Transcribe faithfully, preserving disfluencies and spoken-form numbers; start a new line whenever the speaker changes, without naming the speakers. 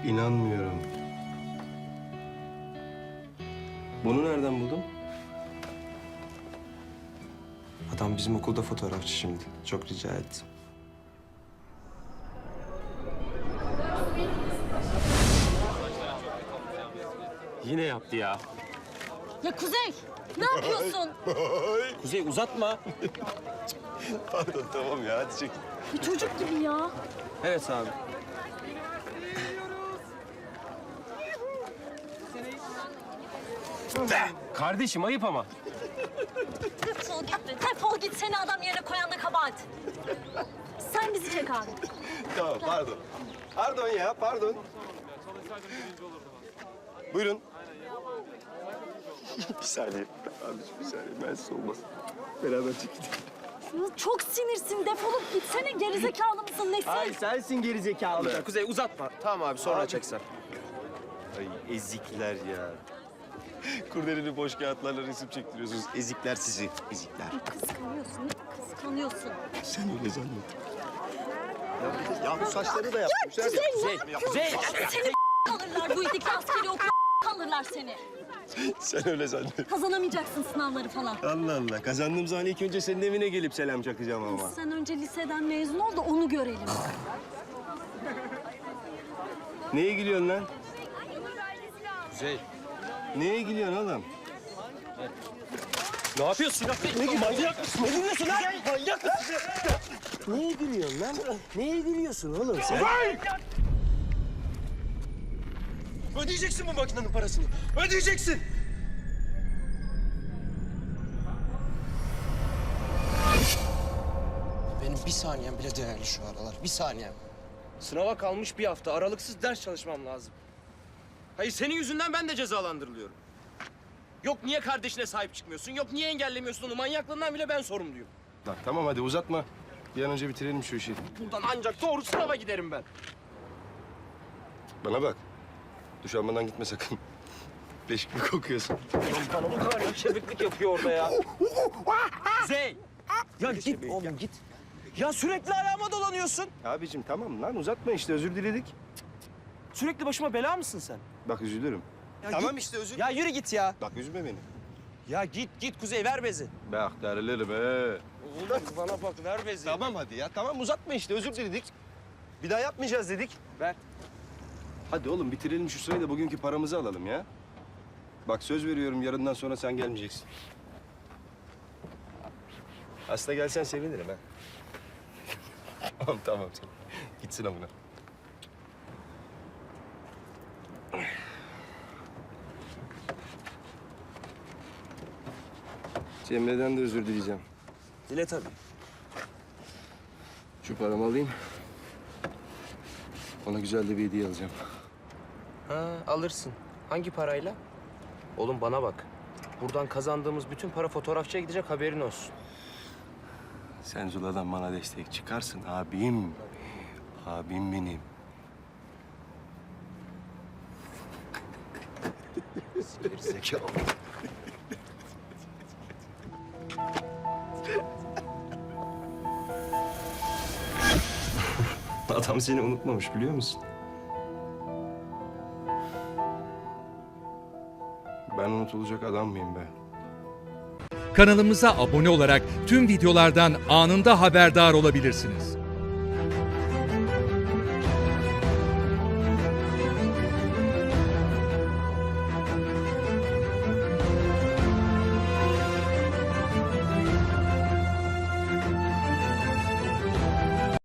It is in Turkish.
İnanmıyorum. Bunu nereden buldun?
Adam bizim okulda fotoğrafçı şimdi. Çok rica ettim.
Yine yaptı ya.
Ya Kuzey, ne yapıyorsun?
Kuzey uzatma.
Pardon tamam ya hadi çek.
Bir çocuk gibi ya.
Evet abi. Kardeşim ayıp ama.
Defol git be, defol git. Seni adam yerine koyan da kabahat. Sen bizi çek abi.
Tamam pardon. Pardon ya pardon. Buyurun. bir saniye. Abiciğim bir saniye. Ben siz olmaz. Beraber çekin.
Çok sinirsin. Defolup gitsene. Gerizekalı mısın? Nesin?
Ay sensin geri zekalı. Kuzey uzatma. Tamam abi sonra çeksen.
Ay ezikler ya. Kurdeleli boş kağıtlarla resim çektiriyorsunuz. Ezikler sizi. Ezikler.
Kıskanıyorsun. Kıskanıyorsun.
Sen öyle zannet. Ya, ya bu saçları da yapmışlar.
Kuzey ne
Kuzey,
yapıyorsun?
Kuzey.
Seni kalırlar. Bu itikli askeri okula kalırlar seni.
Sen öyle zannet.
Kazanamayacaksın sınavları falan.
Allah Allah. Kazandığım zaman ilk önce senin evine gelip selam çakacağım ama.
Sen önce liseden mezun ol da onu görelim.
Neye gülüyorsun lan?
Kuzey.
Neye gülüyorsun oğlum?
Ne yapıyorsun ya? Ne manyak mısın? Ne gülüyorsun lan? Manyak mısın?
Neye gülüyorsun lan? Neye gülüyorsun oğlum sen?
Ödeyeceksin bu makinenin parasını. Ödeyeceksin.
Benim bir saniyem bile değerli şu aralar. Bir saniyem.
Sınava kalmış bir hafta. Aralıksız ders çalışmam lazım. Hayır senin yüzünden ben de cezalandırılıyorum. Yok niye kardeşine sahip çıkmıyorsun? Yok niye engellemiyorsun onu? Manyaklığından bile ben sorumluyum.
Lan tamam hadi uzatma. Bir an önce bitirelim şu işi.
Buradan ancak doğru sınava giderim ben.
Bana bak. Duş almadan gitme sakın. Leş gibi kokuyorsun.
Ulan bana bu kadar şebeklik yapıyor orada ya. Zey! Ya git oğlum git. Ya sürekli ayağıma dolanıyorsun.
Abicim tamam lan uzatma işte özür diledik.
Sürekli başıma bela mısın sen?
Bak üzülürüm.
Ya
Tamam
git.
işte özür.
Ya yürü git ya.
Bak üzme beni.
Ya git git Kuzey ver bezi.
Bak derler be.
Oğlum bana bak ver bezi.
Tamam hadi ya tamam uzatma işte özür diledik. Bir daha yapmayacağız dedik.
Ver.
Hadi oğlum bitirelim şu sırayı da bugünkü paramızı alalım ya. Bak söz veriyorum yarından sonra sen gelmeyeceksin. Aslında gelsen sevinirim ha. tamam tamam tamam. Gitsin amına. Cemre'den de özür dileyeceğim.
Dile tabii.
Şu paramı alayım. Ona güzel de bir hediye alacağım.
Ha alırsın. Hangi parayla? Oğlum bana bak. Buradan kazandığımız bütün para fotoğrafçıya gidecek haberin olsun.
Sen Zula'dan bana destek çıkarsın abim. Abim benim.
Zekalı.
Adam seni unutmamış biliyor musun? Ben unutulacak adam mıyım be?
Kanalımıza abone olarak tüm videolardan anında haberdar olabilirsiniz.